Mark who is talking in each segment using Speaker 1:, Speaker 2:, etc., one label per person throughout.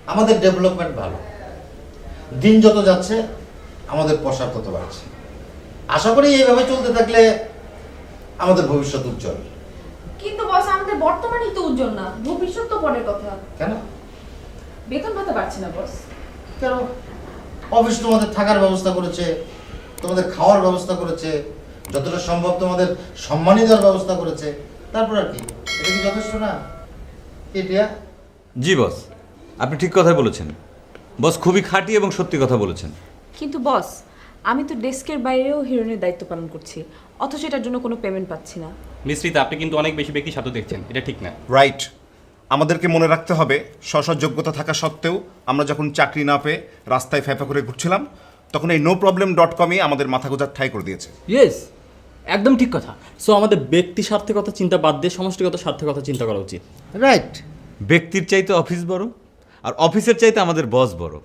Speaker 1: আমাদের ডেভেলপমেন্ট ভালো, দিন যত যাচ্ছে আমাদের প্রসার তত বাড়ছে। আশা করি এইভাবে চলতে থাকলে আমাদের ভবিষ্যৎ উজ্জ্বল।
Speaker 2: কিন্তু বস আমাদের বর্তমানই তো উজ্জ্বল না, ভবিষ্যৎ তো পরের কথা।
Speaker 1: কেন?
Speaker 2: বেতন ভাতা বাড়ছে না বস।
Speaker 1: কেন? অফিস তোমাদের থাকার ব্যবস্থা করেছে, তোমাদের খাওয়ার ব্যবস্থা করেছে, যতটা সম্ভব তোমাদের সম্মানী দেওয়ার ব্যবস্থা করেছে, তারপর আর কি? এটা কি যথেষ্ট না? এটা
Speaker 3: জি বস, আপনি ঠিক কথাই বলেছেন। বস খুবই খাঁটি এবং সত্যি কথা বলেছেন।
Speaker 2: কিন্তু বস আমি তো ডেস্কের বাইরেও হিরোইনের দায়িত্ব পালন করছি, অথচ এটার জন্য কোনো পেমেন্ট পাচ্ছি না।
Speaker 4: মিশ্রিতা, আপনি কিন্তু অনেক বেশি ব্যক্তি স্বার্থ দেখছেন, এটা ঠিক না।
Speaker 5: রাইট। আমাদেরকে মনে রাখতে হবে স্ব যোগ্যতা থাকা সত্ত্বেও আমরা যখন চাকরি না পেয়ে রাস্তায় ফ্যাফা করে ঘুরছিলাম, তখন এই noproblem.com-ই আমাদের মাথা গোঁজার ঠাঁই করে দিয়েছে।
Speaker 6: ইয়েস, একদম ঠিক কথা। সো আমাদের ব্যক্তি স্বার্থের কথা চিন্তা বাদ দিয়ে সমষ্টিগত স্বার্থের কথা চিন্তা করা উচিত।
Speaker 1: রাইট।
Speaker 3: ব্যক্তির চাইতে অফিস বড়, আর অফিসের চাইতে আমাদের বস বড়।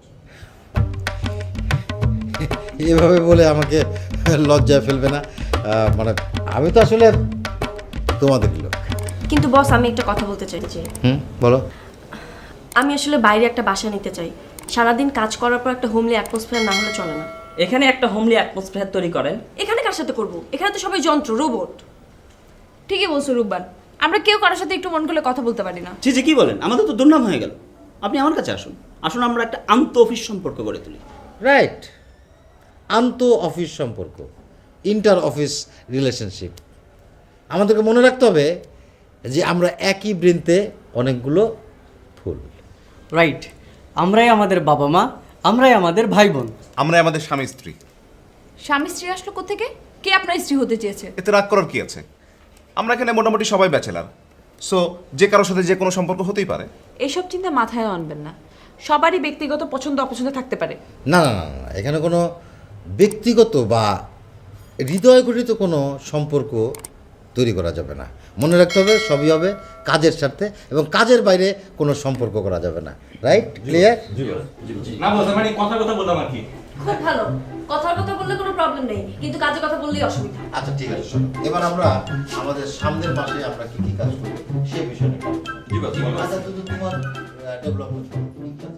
Speaker 1: এভাবে বলে আমাকে লজ্জায় ফেলবে না। মানে আমি তো আসলে তোমাদের লোক।
Speaker 7: কিন্তু বস আমি একটা কথা বলতে চাইছি।
Speaker 1: বলো।
Speaker 7: আমি আসলে বাইরে একটা বাসা নিতে চাই। সারাদিন কাজ করার পর একটা হোমলি অ্যাটমসফিয়ার না হলে চলে না।
Speaker 8: এখানে একটা হোমলি অ্যাটমসফিয়ার তৈরি করেন।
Speaker 7: এখানে কার সাথে করব? এখানে তো সবাই যন্ত্র, রোবট।
Speaker 2: ঠিকই বলছো রূপবান, আমরা কেউ কারোর সাথে একটু মন খুলে কথা বলতে পারি না।
Speaker 8: জি জি, কি বলেন? আমাদের তো দুর্নাম হয়ে গেল। আপনি আমার কাছে আসুন, আসুন আমরা একটা আন্ত অফিস সম্পর্ক গড়ে তুলি।
Speaker 1: রাইট। আন্ত অফিস সম্পর্ক, ইন্টার অফিস রিলেশনশিপ। আমাদেরকে মনে রাখতে হবে যে আমরা একই বৃন্তে অনেকগুলো ফুল।
Speaker 9: রাইট, আমরাই আমাদের বাবা মা, আমরাই আমাদের ভাই বোন,
Speaker 5: আমরা আমাদের স্বামী স্ত্রী।
Speaker 2: স্বামী স্ত্রী আসলো কোত্থেকে? কে আপনার স্ত্রী হতে চেয়েছে?
Speaker 5: এতে রাগ করার কি আছে? আমরা এখানে মোটামুটি সবাই ব্যাচেলার, সো যে কারোর সাথে যে কোনো সম্পর্ক হতেই পারে।
Speaker 2: এইসব চিন্তা মাথায় আনবেন না, সবারই ব্যক্তিগত পছন্দ অপছন্দ থাকতে পারে।
Speaker 1: না না না না, এখানে কোনো ব্যক্তিগত বা হৃদয় গঠিত কোনো সম্পর্ক তৈরি করা যাবে না। মনে রাখতে হবে সবই হবে কাজের স্বার্থে, এবং কাজের বাইরে কোনো সম্পর্ক করা যাবে না। রাইট? ক্লিয়ার?
Speaker 4: না বস, মানে কথা বললাম আর কি।
Speaker 7: খুব ভালো। কথার কথা বললে কোনো প্রবলেম নেই, কিন্তু কাজের কথা বললেই অসুবিধা।
Speaker 1: আচ্ছা ঠিক আছে, শোনো এবার আমরা আমাদের সামনের মাসে আমরা কি কি কাজ করবো সে বিষয়ে নিয়ে কথা বলবো।
Speaker 3: জি বস,
Speaker 1: আচ্ছা, তোমার ডেভেলপমেন্ট